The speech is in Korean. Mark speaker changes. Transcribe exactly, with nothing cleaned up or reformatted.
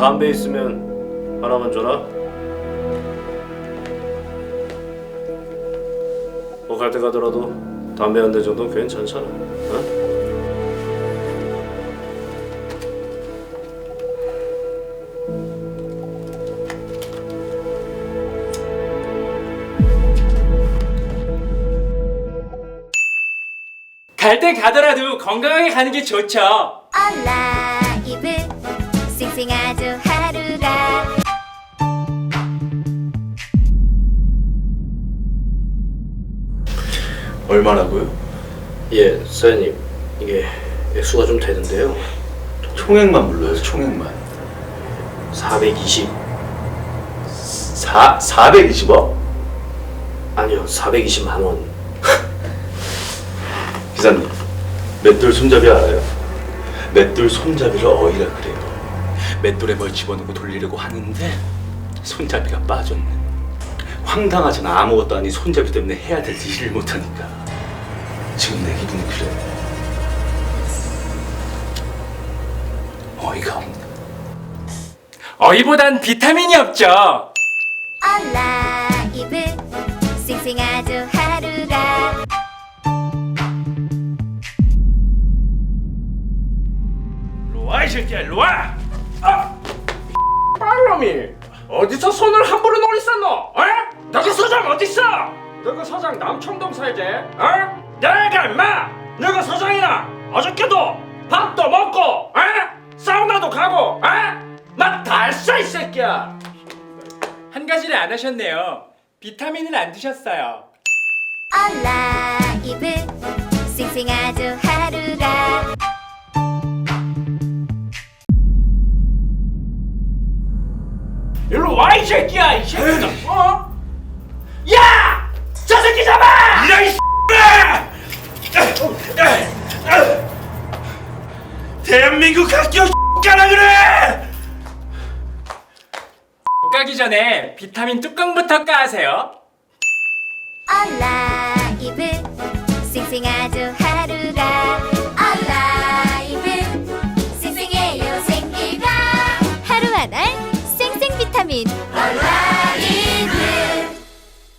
Speaker 1: 담배 있으면 하나만 줘라. 뭐 갈 때 가더라도 담배 한 대 정도는 괜찮잖아. 어?
Speaker 2: 갈 때 가더라도 건강하게 가는 게 좋죠.
Speaker 3: 얼라이브 싱싱아주 하루가
Speaker 4: 얼마라고요?
Speaker 1: 예, 사장님. 이게 액수가 좀 되는데요.
Speaker 4: 총액만 불러요, 총액만.
Speaker 1: 사백이십.
Speaker 4: 사, 사백이십억?
Speaker 1: 아니요, 사백이십만 원.
Speaker 4: 기사님, 맷돌 손잡이 알아요? 맷돌 손잡이를 어이라 그래요. 맷돌에 뭘 집어넣고 돌리려고 하는데 손잡이가 빠졌네. 황당하잖아. 아무것도 아닌 손잡이 때문에 해야 될 일을 못하니까. 지금 내 기분이 그래. 어이가 없네.
Speaker 2: 어이보단 비타민이 없죠.
Speaker 3: 얼라이브 싱싱아주 하루가
Speaker 2: 일로와 이 새끼야 일로와. 아! 빨놈이 어디서 손을 함부로 놀리쌌노? 어? 너그 서장 어딨어? 너그 서장 남청동 살지? 어? 내가 임마 너그 서장이나 어저께도 밥도 먹고 어? 사우나도 가고 어? 맛다 했어 이 새끼야. 한 가지를 안 하셨네요. 비타민을 안 드셨어요.
Speaker 3: 얼라이브 싱싱아주 하루가
Speaker 2: 일로 와 이 새끼야 이 새끼야. 어? 야! 저 새끼 잡아! 이런 이 대한민국 학교 가라 그래! 가기 전에 비타민 뚜껑부터 까세요.
Speaker 3: 얼라이브 싱싱아주